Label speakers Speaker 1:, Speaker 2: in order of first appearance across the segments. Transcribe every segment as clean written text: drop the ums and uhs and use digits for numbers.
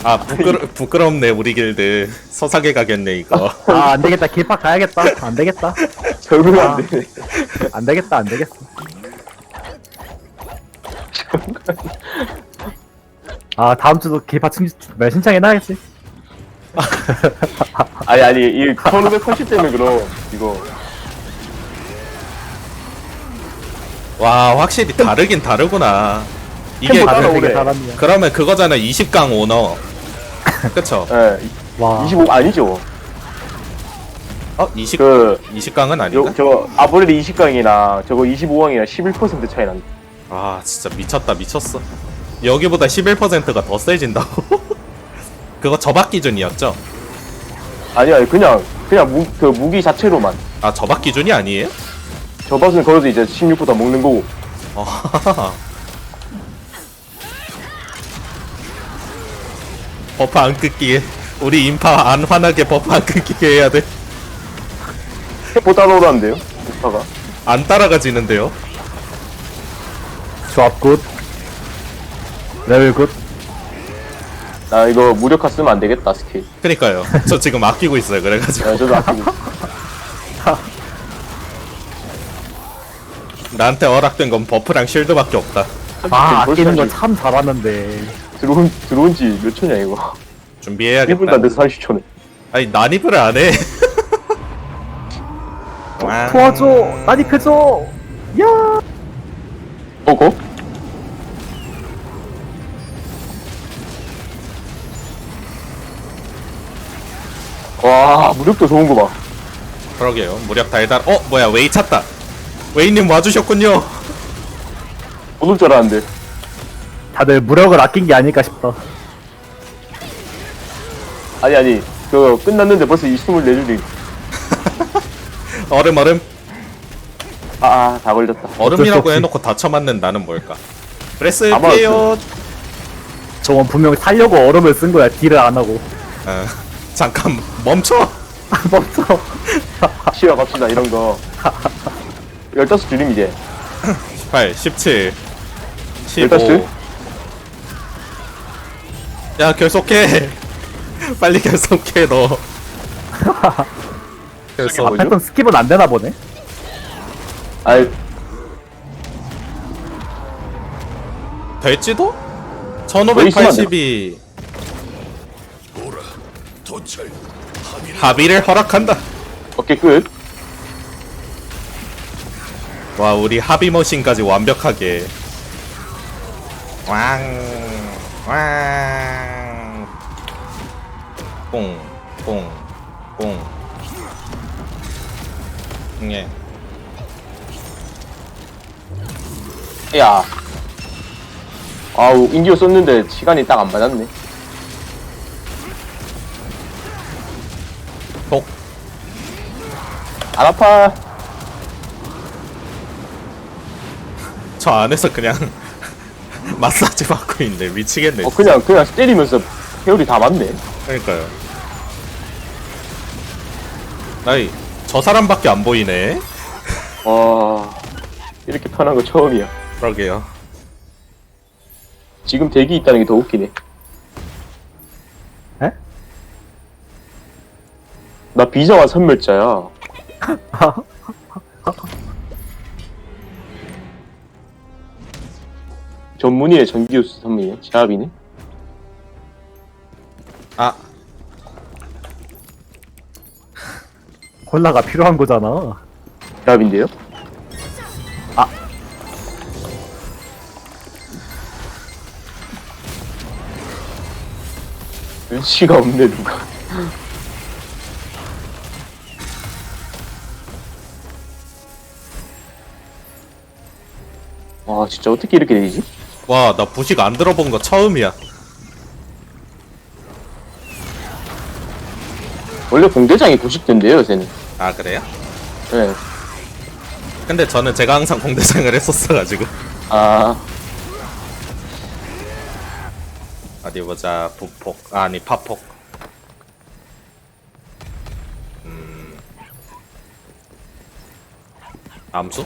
Speaker 1: 아 부끄럽네 우리 길드 서사게 가겠네 이거.
Speaker 2: 아 안되겠다. 길팍 가야겠다. 안되겠다.
Speaker 3: 적응
Speaker 2: 아.
Speaker 3: 안 되네.
Speaker 2: 안되겠다. 안되겠어. 아 다음주도 길팍 신청해놔야지.
Speaker 3: 아니, 이 1580 때문에 그럼, 이거.
Speaker 1: 와 확실히 다르긴 다르구나. 이게
Speaker 3: 템포
Speaker 2: 다들 되게
Speaker 3: 따라오네.
Speaker 2: 잘합니다.
Speaker 1: 그러면 그거잖아 20강 오너. 그쵸?
Speaker 3: 예,
Speaker 2: 와
Speaker 3: 25, 아니죠.
Speaker 1: 20
Speaker 3: 그,
Speaker 1: 20강은 아닌가?
Speaker 3: 저, 아브렐리 20강이나 저거 25강이나 11% 차이 난다.
Speaker 1: 아 진짜 미쳤다 미쳤어. 여기보다 11%가 더 세진다고? 그거 저박 기준이었죠?
Speaker 3: 아니야, 그냥 그 무기 자체로만.
Speaker 1: 아 저박 기준이 아니에요?
Speaker 3: 저 밭은 걸어도 이제 16% 다 먹는 거고.
Speaker 1: 버프 안 끊기게 우리 인파 안 화나게 버프 안 끊기게 해야 돼.
Speaker 3: 템포 따라오라는데요? 인파가.
Speaker 1: 안 따라가지는데요?
Speaker 2: 조합 굿. 레벨 굿.
Speaker 3: 나 이거 무력화 쓰면 안 되겠다, 스킬.
Speaker 1: 그니까요. 저 지금 아끼고 있어요. 그래가지고
Speaker 3: 야, 저도 아끼고.
Speaker 1: 나한테 허락된 건 버프랑 쉴드밖에 없다.
Speaker 2: 아 아끼는 거
Speaker 3: 벌써
Speaker 2: 참 잘하는데.
Speaker 3: 들어온 지 몇 초냐, 이거. 1분도
Speaker 1: 준비해야겠다.
Speaker 3: 안 돼서 30초네.
Speaker 1: 아니 난입을 안 해.
Speaker 2: 도와줘. 난입해줘. 야.
Speaker 3: 거? 와, 무력도 좋은 거 봐.
Speaker 1: 그러게요. 무력 달달. 뭐야 웨이 찾다. 웨이님 와주셨군요.
Speaker 3: 못 올 줄 알았는데.
Speaker 2: 다들 무력을 아낀 게 아닐까 싶다.
Speaker 3: 아니, 그거 끝났는데 벌써 24줄이.
Speaker 1: 얼음.
Speaker 3: 다 걸렸다.
Speaker 1: 얼음이라고
Speaker 2: 없지.
Speaker 1: 해놓고 다쳐맞는 나는 뭘까? 브레스
Speaker 3: 아마
Speaker 1: 피해요.
Speaker 2: 저건 분명 살려고 얼음을 쓴 거야. 딜을 안 하고.
Speaker 1: 잠깐 멈춰.
Speaker 2: 멈춰.
Speaker 3: 시야 갑시다, 이런 거. 15줄임, 이제.
Speaker 1: 18, 17, 15.
Speaker 3: 15줄?
Speaker 1: 야 결속해. 빨리 결속해 너. 결속.
Speaker 3: 뭐죠?
Speaker 2: 패턴 스킵은 안 되나 보네.
Speaker 3: 아이,
Speaker 1: 될지도?
Speaker 3: 왜 있으면 안
Speaker 1: 1580이 합의를 허락한다.
Speaker 3: 오케이, 끝.
Speaker 1: 와 우리 합의 머신까지 완벽하게 왕 뽕 예.
Speaker 3: 야. 아우, 인디오 썼는데 시간이 딱 안 맞았네.
Speaker 1: 독
Speaker 3: 안 아파.
Speaker 1: 저 안에서 그냥 마사지 받고 있네. 미치겠네.
Speaker 3: 그냥 때리면서 회오리 다 맞네.
Speaker 1: 그러니까요. 나이 저 사람밖에 안 보이네.
Speaker 3: 이렇게 편한 거 처음이야.
Speaker 1: 그러게요.
Speaker 3: 지금 대기 있다는 게 더 웃기네.
Speaker 2: 에?
Speaker 3: 나 비정한 선멸자야. 전문의의 전기우스 선물이네. 제압이네.
Speaker 1: 아
Speaker 2: 콜라가 필요한 거잖아.
Speaker 3: 제압인데요?
Speaker 2: 아.
Speaker 3: 눈치가 없네, 누가. 와, 진짜 어떻게 이렇게 되지?
Speaker 1: 와, 나 부식 안 들어본 거 처음이야.
Speaker 3: 원래 공대장이 90대인데요, 요새는.
Speaker 1: 아, 그래요?
Speaker 3: 네.
Speaker 1: 근데 저는 제가 항상 공대장을 했었어가지고.
Speaker 3: 아,
Speaker 1: 어디 보자. 부폭. 아니, 파폭. 암수?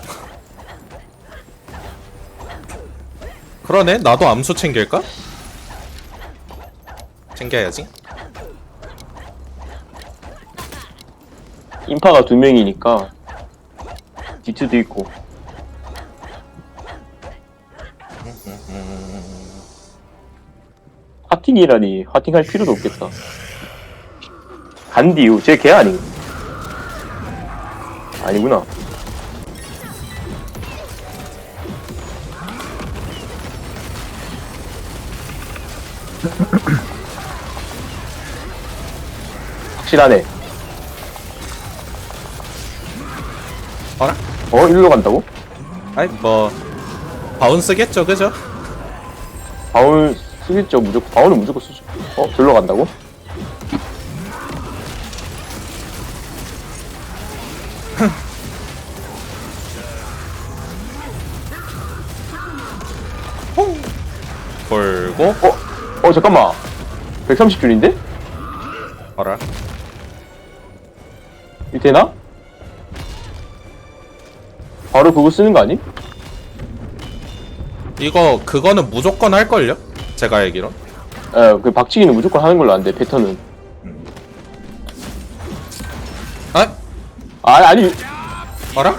Speaker 1: 그러네. 나도 암수 챙길까? 챙겨야지.
Speaker 3: 인파가 2명이니까 D2도 있고. 하팅이라니. 하팅할 필요도 없겠다. 간디우 쟤 걔 아니? 아니구나. 확실하네.
Speaker 1: 어라?
Speaker 3: 일로 간다고?
Speaker 1: 아이 뭐 바운스겠죠, 그죠?
Speaker 3: 바울 쓰겠죠. 무조건 바울은 무조건 쓰죠. 절로 간다고?
Speaker 1: 돌고
Speaker 3: 잠깐만. 130줄인데?
Speaker 1: 어라?
Speaker 3: 이 되나? 바로 그거 쓰는 거 아니?
Speaker 1: 이거 그거는 무조건 할걸요? 제가 알기론.
Speaker 3: 그 박치기는 무조건 하는 걸로 아는데 패턴은.
Speaker 1: 아?
Speaker 3: 아니.
Speaker 1: 어라?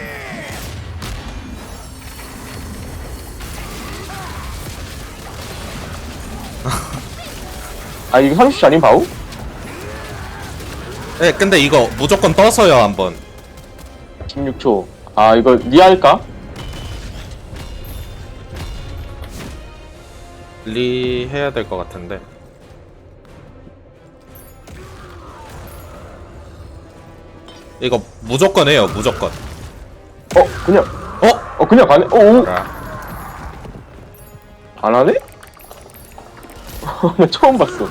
Speaker 3: 이거 30줄 아닌 바우?
Speaker 1: 네, 근데 이거 무조건 떠서요 한번.
Speaker 3: 16초. 이거 니 할까?
Speaker 1: 리 해야 될 것 같은데. 이거 무조건 해요, 무조건.
Speaker 3: 그냥.
Speaker 1: 어?
Speaker 3: 그냥 가네? 오.
Speaker 1: 아,
Speaker 3: 안 하네? 나 처음 봤어.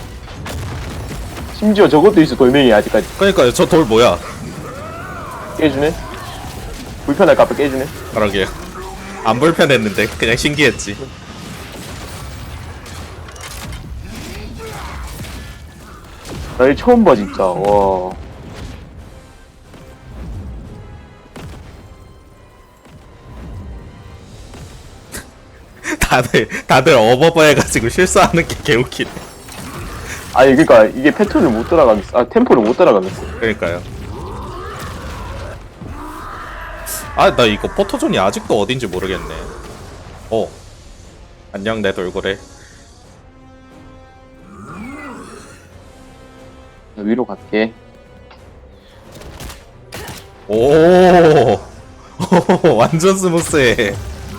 Speaker 3: 심지어 저것도 있어, 돌멩이 아직까지.
Speaker 1: 그러니까요, 저 돌 뭐야?
Speaker 3: 깨주네? 불편할까 봐 깨주네?
Speaker 1: 그러게요. 안 불편했는데 그냥 신기했지.
Speaker 3: 나 이거 처음 봐, 진짜. 와.
Speaker 1: 다들 어버버 해가지고 실수하는 게 개웃기네.
Speaker 3: 그니까 이게 패턴을 못 따라가겠어. 템포를 못 따라가겠어.
Speaker 1: 그러니까요. 나 이거 포토존이 아직도 어딘지 모르겠네. 안녕 내 돌고래.
Speaker 3: 위로 갈게.
Speaker 1: 오, 완전 스무스해.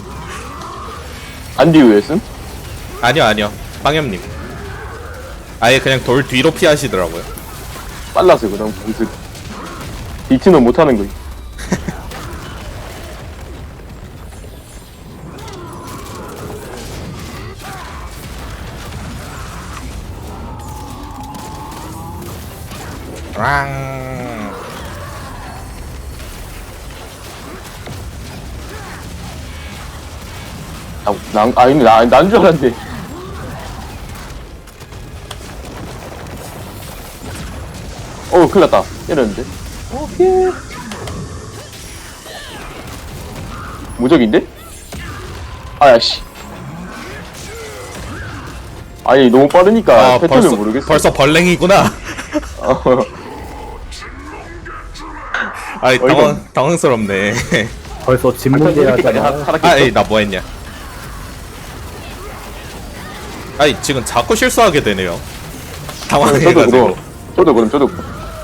Speaker 3: 안디우였음?
Speaker 1: 아니요. 빵염님. 아예 그냥 돌 뒤로 피하시더라고요.
Speaker 3: 빨라서 그럼 공습. 디트는 못하는 거지.
Speaker 1: 랑.
Speaker 3: 근데 난 줄 알았는데. 큰일 났다. 이랬는데. 오케이. 무적인데? 씨. 너무 빠르니까 패턴을 모르겠어.
Speaker 1: 벌써 벌랭이구나. 당황스럽네.
Speaker 2: 벌써 진문제하잖아.
Speaker 1: 나 뭐했냐? 지금 자꾸 실수하게 되네요. 당황해가지고.
Speaker 3: 저도 그럼.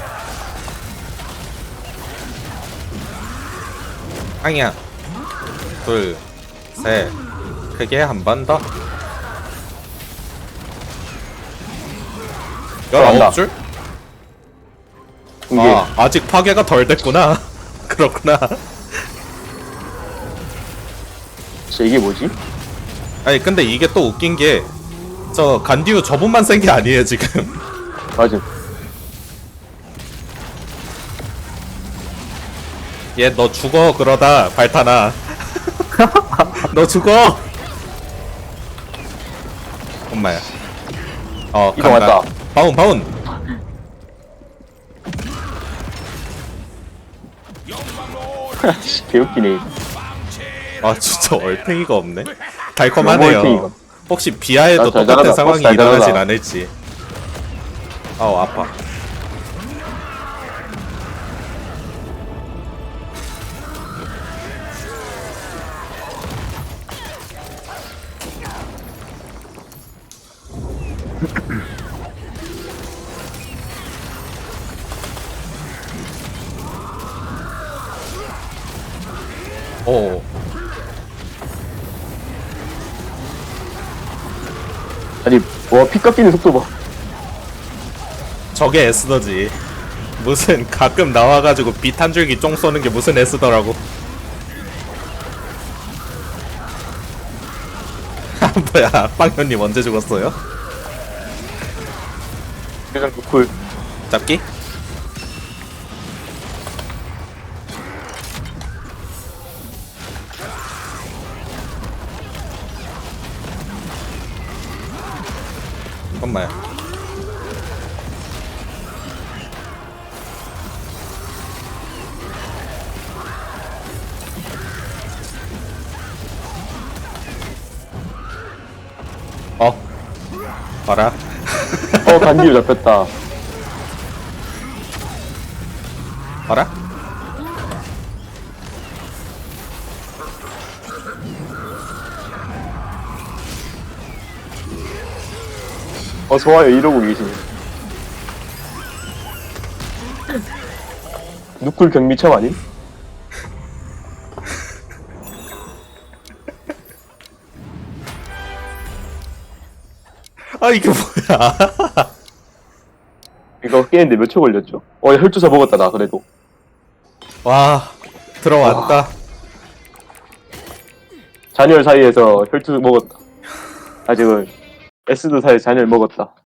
Speaker 1: 아니야. 둘, 셋. 크게 한 번 더. 19줄?
Speaker 3: 이게
Speaker 1: 아직 파괴가 덜 됐구나. 그렇구나.
Speaker 3: 진짜 이게 뭐지?
Speaker 1: 근데 이게 또 웃긴 게, 저 간디우 저분만 센 게 아니에요 지금.
Speaker 3: 맞아.
Speaker 1: 얘 너 죽어 그러다 발타나. 너 죽어. 엄마야.
Speaker 3: 이거 맞다.
Speaker 1: 바운.
Speaker 3: 개웃기네.
Speaker 1: 진짜 얼탱이가 없네.
Speaker 3: 너무
Speaker 1: 달콤하네요.
Speaker 3: 얼탱이가.
Speaker 1: 혹시 비하에도
Speaker 3: 잘
Speaker 1: 똑같은
Speaker 3: 자라다.
Speaker 1: 상황이
Speaker 3: 잘
Speaker 1: 일어나진
Speaker 3: 자라다.
Speaker 1: 않을지. 아우 아파. 오.
Speaker 3: 아니 와피 깎이는 속도 봐.
Speaker 1: 저게 에스더지. 무슨 가끔 나와가지고 빛 한 줄기 쫑 쏘는 게 무슨 에스더라고. 뭐야, 빵현님 언제 죽었어요?
Speaker 3: 그냥 노쿨.
Speaker 1: 잡기? 잠깐만. 봐라.
Speaker 3: 간디로 잡혔다.
Speaker 1: 봐라.
Speaker 3: 좋아요. 이러고 계시네. 누쿨 경미참 아님?
Speaker 1: 아 이게 뭐야?
Speaker 3: 이거 깨는데 몇 초 걸렸죠? 혈주사 먹었다 나 그래도.
Speaker 1: 와 들어왔다.
Speaker 3: 잔열 사이에서 혈주 먹었다. 아직은 에스드 사이에 잔열 먹었다.